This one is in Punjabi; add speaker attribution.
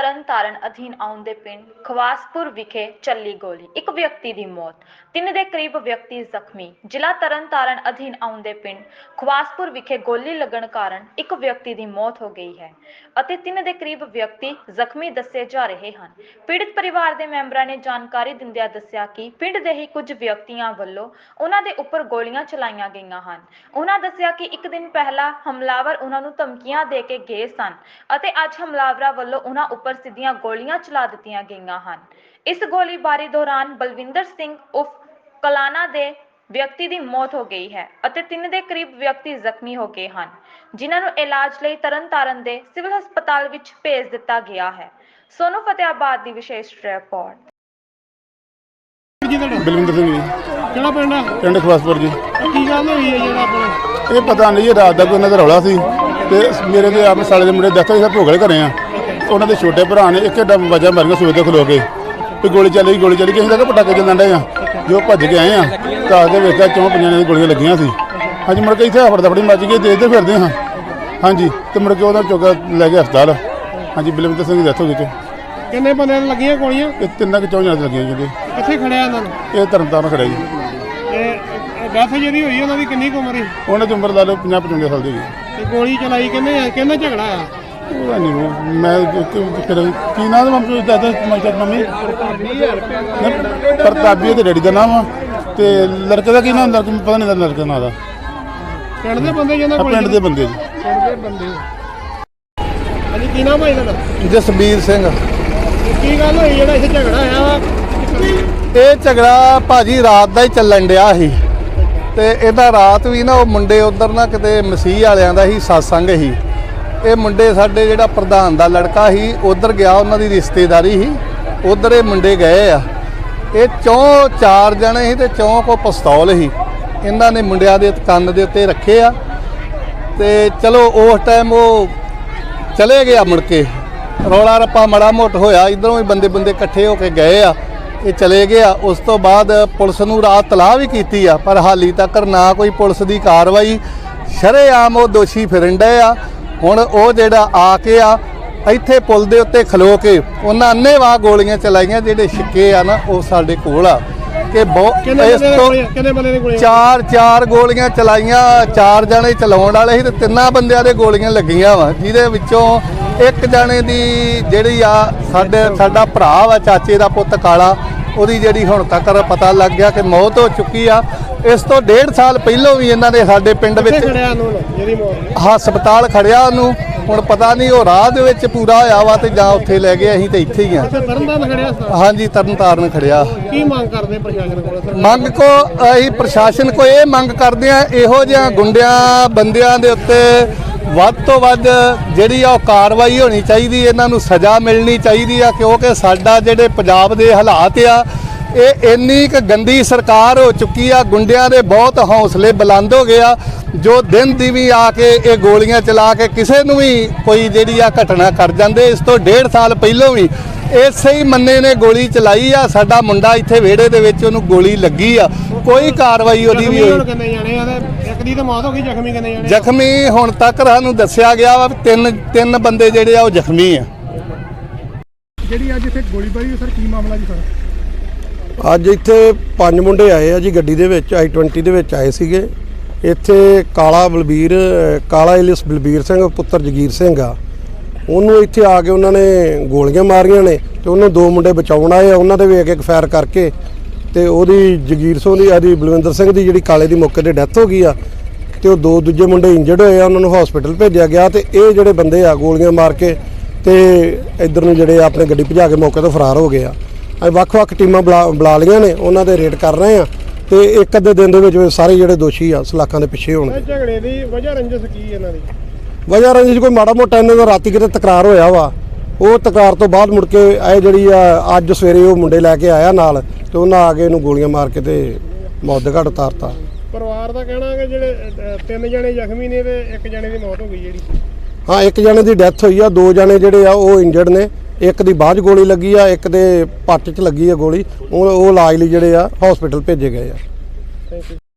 Speaker 1: ਤਰਨਤਾਰਨ ਅਧੀਨ ਆਉਂਦੇ ਪਿੰਡ ਖਵਾਸਪੁਰ ਵਿਖੇ ਚੱਲੀ ਗੋਲੀ, ਇੱਕ ਵਿਅਕਤੀ ਦੀ ਮੌਤ, 3 ਦੇ ਕਰੀਬ ਵਿਅਕਤੀ ਜ਼ਖਮੀ। ਜ਼ਿਲ੍ਹਾ ਤਰਨਤਾਰਨ ਅਧੀਨ ਆਉਂਦੇ ਪਿੰਡ ਖਵਾਸਪੁਰ ਵਿਖੇ ਗੋਲੀ ਲੱਗਣ ਕਾਰਨ ਇੱਕ ਵਿਅਕਤੀ ਦੀ ਮੌਤ ਹੋ ਗਈ ਹੈ ਅਤੇ 3 ਦੇ ਕਰੀਬ ਵਿਅਕਤੀ ਜ਼ਖਮੀ ਦੱਸੇ ਜਾ ਰਹੇ ਹਨ। ਪੀੜਤ ਪਰਿਵਾਰ ਦੇ ਮੈਂਬਰਾਂ ਨੇ ਜਾਣਕਾਰੀ ਦਿੰਦਿਆਂ ਦੱਸਿਆ ਕਿ ਪਿੰਡ ਦੇ ਹੀ ਕੁਝ ਵਿਅਕਤੀਆਂ ਵੱਲੋਂ ਉਹਨਾਂ ਦੇ ਉੱਪਰ ਗੋਲੀਆਂ ਚਲਾਈਆਂ ਗਈਆਂ ਹਨ। ਉਹਨਾਂ ਦੱਸਿਆ ਕਿ ਇੱਕ ਦਿਨ ਪਹਿਲਾਂ ਹਮਲਾਵਰ ਉਹਨਾਂ ਨੂੰ ਧਮਕੀਆਂ ਦੇ ਕੇ ਗਏ ਸਨ ਅਤੇ ਅੱਜ ਹਮਲਾਵਰਾਂ ਵੱਲੋਂ ਉਹਨਾਂ ਉੱਪਰ ਸਿੱਧੀਆਂ ਗੋਲੀਆਂ ਚਲਾ ਦਿੱਤੀਆਂ ਗਈਆਂ ਹਨ। ਇਸ ਗੋਲੀਬਾਰੀ ਦੌਰਾਨ ਬਲਵਿੰਦਰ ਸਿੰਘ ਉਰਫ ਕਲਾਨਾ ਦੇ ਵਿਅਕਤੀ ਦੀ ਮੌਤ ਹੋ ਗਈ ਹੈ ਅਤੇ 3 ਦੇ ਕਰੀਬ ਵਿਅਕਤੀ ਜ਼ਖਮੀ ਹੋ ਗਏ ਹਨ, ਜਿਨ੍ਹਾਂ ਨੂੰ ਇਲਾਜ ਲਈ ਤਰਨਤਾਰਨ ਦੇ ਸਿਵਲ ਹਸਪਤਾਲ ਵਿੱਚ ਭੇਜ ਦਿੱਤਾ ਗਿਆ ਹੈ। ਸੋਨੂ ਫਤਿਆਬਾਦ ਦੀ ਵਿਸ਼ੇਸ਼ ਰਿਪੋਰਟ।
Speaker 2: ਬਲਵਿੰਦਰ ਸਿੰਘ ਜੀ,
Speaker 3: ਕਿਹੜਾ ਪਿੰਡ ਆ?
Speaker 2: ਪਿੰਡ ਖਵਾਸਪੁਰ ਜੀ।
Speaker 3: ਕੀ ਗੱਲ ਹੋਈ ਹੈ ਜਿਹੜਾ ਆਪਣਾ?
Speaker 2: ਇਹ ਪਤਾ ਨਹੀਂ, ਰਾਤ ਦਾ ਕੋਈ ਉਹਨਾਂ ਦਾ ਰੌਲਾ ਸੀ ਤੇ ਮੇਰੇ ਤੇ ਆਪਣੇ ਸਾਲੇ ਦੇ ਮੁੰਡੇ ਦੱਸੋ ਅਸੀਂ ਭੋਗਲੇ ਘਰੇ ਆ। ਉਹਨਾਂ ਦੇ ਛੋਟੇ ਭਰਾ ਨੇ ਇੱਕ ਡੱਬ ਵਜਾ ਮਾਰੀਆਂ ਸੂਏ ਤੇ ਖਲੋ ਕੇ ਵੀ ਗੋਲੀ ਚੱਲੀ ਗਈ। ਅਸੀਂ ਤਾਂ ਪਟਾਕੇ ਚੱਲਣ ਡਏ ਆ, ਜੋ ਭੱਜ ਕੇ ਆਏ ਆ ਤਾਂ ਆ ਕੇ ਵੇਖਿਆ 4-5 ਜਣਿਆਂ ਦੀ ਗੋਲੀਆਂ ਲੱਗੀਆਂ ਸੀ। ਹਾਂਜੀ, ਮੁੜ ਕੇ ਇੱਥੇ ਹਫੜ ਦਫੜੀ ਮੱਚ ਗਈ, ਦੇਖਦੇ ਫਿਰਦੇ ਹਾਂ। ਹਾਂਜੀ, ਤੇ ਮੁੜ ਕੇ ਉਹਦਾ ਚੋਗਾ ਲੈ ਕੇ ਹਸਪਤਾਲ। ਹਾਂਜੀ, ਬਲਵਿੰਦਰ ਸਿੰਘ ਦੀ ਡੈਥ ਹੋ ਗਈ।
Speaker 3: ਕਿੰਨੇ ਬੰਦਿਆਂ ਨੂੰ ਲੱਗੀਆਂ ਗੋਲੀਆਂ?
Speaker 2: ਇਹ 3 ਕਿ 4 ਜਣਿਆਂ ਦੀ ਲੱਗੀਆਂ ਜੀ।
Speaker 3: ਕਿੱਥੇ ਖੜਿਆ ਇਹਨਾਂ ਨੂੰ?
Speaker 2: ਇਹ ਤਰਨਤਾਰਨ ਖੜਿਆ ਜੀ।
Speaker 3: ਇਹ ਡੈਥ ਜਿਹੜੀ ਹੋਈ ਉਹਨਾਂ ਦੀ ਕਿੰਨੀ ਕੁ ਉਮਰ ਸੀ?
Speaker 2: ਉਹਨਾਂ ਦੀ ਉਮਰ ਲਾ ਲਓ 50-55 ਸਾਲ ਦੀ ਜੀ।
Speaker 3: ਤੇ ਗੋਲੀ ਚਲਾਈ ਕਿੰਨੇ ਝਗੜਾ ਆ?
Speaker 2: ਉਹਦਾ ਨਹੀਂ ਮੈਂ ਫਿਰ ਕੀ ਨਾਮ ਮੰਮੀ ਦਾਦਾ ਮੰਮੀ ਪ੍ਰਤਾਪੀ ਤੇ ਡੈਡੀ ਦਾ ਨਾਮ ਆ ਤੇ ਲੜਕੇ ਦਾ ਕੀ ਨਾਮ ਪਤਾ ਨਹੀਂ ਲੜਕੇ ਦਾ ਨਾਂ ਦਾ।
Speaker 3: ਪਿੰਡ ਦੇ ਬੰਦੇ ਜਿਹਨਾਂ ਕੋਲ?
Speaker 2: ਪਿੰਡ ਦੇ ਬੰਦੇ ਜੀ।
Speaker 3: ਪਿੰਡ ਦੇ ਬੰਦੇ। ਹਾਂਜੀ, ਕੀ ਨਾਮ ਹੈ ਇਹਨਾਂ ਦਾ?
Speaker 4: ਜਸਬੀਰ ਸਿੰਘ।
Speaker 3: ਕੀ ਗੱਲ ਹੋਈ ਜਿਹੜਾ ਇੱਥੇ ਝਗੜਾ ਆਇਆ?
Speaker 4: ਇਹ ਝਗੜਾ ਭਾਜੀ ਰਾਤ ਦਾ ਹੀ ਚੱਲਣ ਡਿਆ ਸੀ ਤੇ ਇਹਦਾ ਰਾਤ ਵੀ ਨਾ ਉਹ ਮੁੰਡੇ ਉਧਰ ਨਾ ਕਿਤੇ ਮਸੀਹ ਵਾਲਿਆਂ ਦਾ ਹੀ ਸਤਸੰਗ ਸੀ। ਇਹ ਮੁੰਡੇ ਸਾਡੇ ਜਿਹੜਾ ਪ੍ਰਧਾਨ ਦਾ ਲੜਕਾ ਸੀ ਉਧਰ ਗਿਆ, ਉਹਨਾਂ ਦੀ ਰਿਸ਼ਤੇਦਾਰੀ ਸੀ, ਉਧਰ ਇਹ ਮੁੰਡੇ ਗਏ ਆ। ਇਹ 4 ਜਣੇ ਸੀ ਤੇ 4 ਕੋ ਪਿਸਤੌਲ ਸੀ। ਇਹਨਾਂ ਨੇ ਮੁੰਡਿਆਂ ਦੇ ਕੰਨ ਦੇ ਉੱਤੇ ਰੱਖੇ ਆ ਤੇ ਚਲੋ ਉਸ ਟਾਈਮ ਉਹ ਚਲੇ ਗਿਆ। ਮੁੜ ਕੇ ਰੌਲਾ ਰੱਪਾ ਮਾੜਾ ਮੋਟ ਹੋਇਆ, ਇੱਧਰੋਂ ਵੀ ਬੰਦੇ ਇਕੱਠੇ ਹੋ ਕੇ ਗਏ ਆ, ਇਹ ਚਲੇ ਗਿਆ। ਉਸ ਤੋਂ ਬਾਅਦ ਪੁਲਿਸ ਨੂੰ ਰਾਤ ਤਲਾਹ ਵੀ ਕੀਤੀ ਆ, ਪਰ ਹਾਲੀ ਤੱਕ ਨਾ ਕੋਈ ਪੁਲਿਸ ਦੀ ਕਾਰਵਾਈ। ਸ਼ਰੇਆਮ ਉਹ ਦੋਸ਼ੀ ਫਿਰਨ ਡਏ ਆ। ਹੁਣ ਉਹ ਜਿਹੜਾ ਆ ਕੇ ਆ ਇੱਥੇ ਪੁਲ ਦੇ ਉੱਤੇ ਖਲੋ ਕੇ ਉਹਨਾਂ ਅੰਨ੍ਹੇਵਾਹ ਗੋਲੀਆਂ ਚਲਾਈਆਂ। ਜਿਹੜੇ ਛਿੱਕੇ ਆ ਨਾ ਉਹ ਸਾਡੇ ਕੋਲ ਆ ਕਿ ਇਸ ਤੋਂ 4 ਗੋਲੀਆਂ ਚਲਾਈਆਂ। 4 ਜਣੇ ਚਲਾਉਣ ਵਾਲੇ ਸੀ ਤੇ 3 ਬੰਦਿਆਂ ਦੇ ਗੋਲੀਆਂ ਲੱਗੀਆਂ ਵਾ, ਜਿਹਦੇ ਵਿੱਚੋਂ ਇੱਕ ਜਣੇ ਦੀ ਜਿਹੜੀ ਆ ਸਾਡਾ ਭਰਾ ਵਾ, ਚਾਚੇ ਦਾ ਪੁੱਤ ਕਾਲਾ, ਉਹਦੀ ਜਿਹੜੀ ਹੁਣ ਤੱਕ ਪਤਾ ਲੱਗ ਗਿਆ ਕਿ ਮੌਤ ਹੋ ਚੁੱਕੀ ਆ। ਇਸ ਤੋਂ 1.5 ਸਾਲ ਪਹਿਲਾਂ ਵੀ ਇਹਨਾਂ ਨੇ ਸਾਡੇ ਪਿੰਡ ਵਿੱਚ ਹਸਪਤਾਲ ਖੜਿਆ ਉਹਨੂੰ। ਹੁਣ ਪਤਾ ਨਹੀਂ ਉਹ ਰਾਹ ਦੇ ਵਿੱਚ ਪੂਰਾ ਹੋਇਆ ਵਾ ਤੇ ਜਾਂ ਉੱਥੇ ਲੈ ਗਏ। ਅਸੀਂ ਤੇ ਇੱਥੇ ਹੀ ਆ। ਹਾਂਜੀ, ਤਰਨਤਾਰਨ ਖੜਿਆ।
Speaker 3: ਕੀ ਮੰਗ ਕਰਦੇ ਪ੍ਰਸ਼ਾਸਨ ਕੋਲ?
Speaker 4: ਮੰਗ ਕੋ ਅਸੀਂ ਪ੍ਰਸ਼ਾਸਨ ਕੋ ਇਹ ਮੰਗ ਕਰਦੇ ਆ, ਇਹੋ ਜਿਹਾ ਗੁੰਡਿਆਂ ਬੰਦਿਆਂ ਦੇ ਉੱਤੇ ਵੱਧ ਤੋਂ ਵੱਧ ਜਿਹੜੀ ਆ ਉਹ ਕਾਰਵਾਈ ਹੋਣੀ ਚਾਹੀਦੀ। ਇਹਨਾਂ ਨੂੰ ਸਜ਼ਾ ਮਿਲਣੀ ਚਾਹੀਦੀ ਆ, ਕਿਉਂਕਿ ਸਾਡਾ ਜਿਹੜੇ ਪੰਜਾਬ ਦੇ ਹਾਲਾਤ ਆ ਇਹ ਇੰਨੀ ਕੁ ਗੰਦੀ ਸਰਕਾਰ ਹੋ ਚੁੱਕੀ ਆ। ਗੁੰਡਿਆਂ ਦੇ ਬਹੁਤ ਹੌਸਲੇ ਬੁਲੰਦ ਹੋ ਗਏ ਆ, ਜੋ ਦਿਨ ਦੀ ਵੀ ਆ ਕੇ ਇਹ ਗੋਲੀਆਂ ਚਲਾ ਕੇ ਕਿਸੇ ਨੂੰ ਵੀ ਕੋਈ ਜਿਹੜੀ ਆ ਘਟਨਾ ਕਰ ਜਾਂਦੇ। ਇਸ ਤੋਂ 1.5 ਸਾਲ ਪਹਿਲਾਂ ਵੀ ਇਸੇ ਹੀ ਮੰਨੇ ਨੇ ਗੋਲੀ ਚਲਾਈ ਆ। ਸਾਡਾ ਮੁੰਡਾ ਇੱਥੇ ਵਿਹੜੇ ਦੇ ਵਿੱਚ ਉਹਨੂੰ ਗੋਲੀ ਲੱਗੀ ਆ, ਕੋਈ ਕਾਰਵਾਈ ਉਹਦੀ ਵੀ ਹੋਈ।
Speaker 3: ਇੱਕ ਦੀ ਤਾਂ ਮੌਤ ਹੋ ਗਈ, ਜ਼ਖਮੀ ਕਿੰਨੇ ਜਣੇ?
Speaker 4: ਜ਼ਖਮੀ ਹੁਣ ਤੱਕ ਸਾਨੂੰ ਦੱਸਿਆ ਗਿਆ ਵਾ 3 ਬੰਦੇ ਜਿਹੜੇ ਆ ਉਹ ਜ਼ਖਮੀ ਆ।
Speaker 3: ਜਿਹੜੀ ਅੱਜ ਇੱਥੇ ਗੋਲੀਬਾਰੀ ਸਰ, ਕੀ ਮਾਮਲਾ ਜੀ ਸਰ?
Speaker 5: ਅੱਜ ਇੱਥੇ 5 ਮੁੰਡੇ ਆਏ ਆ ਜੀ, ਗੱਡੀ ਦੇ ਵਿੱਚ i20 ਦੇ ਵਿੱਚ ਆਏ ਸੀਗੇ। ਇੱਥੇ ਕਾਲਾ ਇਲਿਸ ਬਲਬੀਰ ਸਿੰਘ ਪੁੱਤਰ ਜਗੀਰ ਸਿੰਘ ਆ, ਉਹਨੂੰ ਇੱਥੇ ਆ ਕੇ ਉਹਨਾਂ ਨੇ ਗੋਲੀਆਂ ਮਾਰੀਆਂ ਨੇ ਤੇ ਉਹਨੂੰ 2 ਮੁੰਡੇ ਬਚਾਉਣ ਆਏ ਆ। ਉਹਨਾਂ ਦੇ ਵੀ ਇੱਕ ਫਾਇਰ ਕਰਕੇ ਤੇ ਉਹਦੀ ਜਗੀਰ ਸਿੰਘ ਦੀ ਬਲਵਿੰਦਰ ਸਿੰਘ ਦੀ ਜਿਹੜੀ ਕਾਲੇ ਦੀ ਮੌਕੇ ਤੇ ਡੈਥ ਹੋ ਗਈ ਆ ਤੇ ਉਹ 2 ਦੂਜੇ ਮੁੰਡੇ ਇੰਜਰਡ ਹੋਏ ਆ, ਉਹਨਾਂ ਨੂੰ ਹਸਪੀਟਲ ਭੇਜਿਆ ਗਿਆ। ਤੇ ਇਹ ਜਿਹੜੇ ਬੰਦੇ ਆ ਗੋਲੀਆਂ ਮਾਰ ਕੇ ਤੇ ਇੱਧਰ ਨੂੰ ਜਿਹੜੇ ਆਪਣੇ ਗੱਡੀ ਭਜਾ ਕੇ ਮੌਕੇ ਤੋਂ ਫਰਾਰ ਹੋ ਗਏ ਆ। ਅਸੀਂ ਵੱਖ-ਵੱਖ ਟੀਮਾਂ ਬੁਲਾ ਲਈਆਂ ਨੇ, ਉਹਨਾਂ ਦੇ ਰੇਡ ਕਰ ਰਹੇ ਆ ਤੇ ਇੱਕ ਅੱਧੇ ਦਿਨ ਦੇ ਵਿੱਚ ਸਾਰੇ ਜਿਹੜੇ ਦੋਸ਼ੀ ਆ ਸਲਾਖਾਂ ਦੇ ਪਿੱਛੇ ਹੋਣਗੇ।
Speaker 3: ਝਗੜੇ ਦੀ ਵਜ੍ਹਾ ਰੰਜਿਸ਼ ਕੀ ਇਹਨਾਂ ਦੀ?
Speaker 5: ਵਜ੍ਹਾ ਰੰਜਿਸ਼ ਕੋਈ ਮਾੜਾ ਮੋਟਾ ਇਹਨਾਂ ਦਾ ਰਾਤੀ ਕਿਤੇ ਤਕਰਾਰ ਹੋਇਆ ਵਾ। ਉਹ ਤਕਰਾਰ ਤੋਂ ਬਾਅਦ ਮੁੜ ਕੇ ਇਹ ਜਿਹੜੀ ਆ ਅੱਜ ਸਵੇਰੇ ਉਹ ਮੁੰਡੇ ਲੈ ਕੇ ਆਇਆ ਨਾਲ ਤੇ ਉਹਨਾਂ ਆ ਕੇ ਇਹਨੂੰ ਗੋਲੀਆਂ ਮਾਰ ਕੇ ਤੇ ਮੌਤ ਦੇ ਘਾਟ ਉਤਾਰਤਾ।
Speaker 3: ਪਰਿਵਾਰ ਦਾ ਕਹਿਣਾ ਹੈ ਕਿ ਜਿਹੜੇ 3 ਜਣੇ ਜ਼ਖਮੀ ਨੇ ਤੇ 1 ਜਣੇ ਦੀ ਮੌਤ ਹੋ ਗਈ ਜਿਹੜੀ।
Speaker 5: ਹਾਂ, 1 ਜਣੇ ਦੀ ਡੈਥ ਹੋਈ ਆ, 2 ਜਣੇ ਜਿਹੜੇ ਆ ਉਹ ਇੰਜਰਡ ਨੇ। ਇੱਕ ਦੀ ਬਾਅਦ ਗੋਲੀ ਲੱਗੀ ਆ, ਇੱਕ ਦੇ ਪੱਟ 'ਚ ਲੱਗੀ ਆ ਗੋਲੀ। ਉਹ ਇਲਾਜ ਲਈ ਜਿਹੜੇ ਆ ਹਸਪੀਟਲ ਭੇਜੇ ਗਏ ਆ।
Speaker 3: Thank you.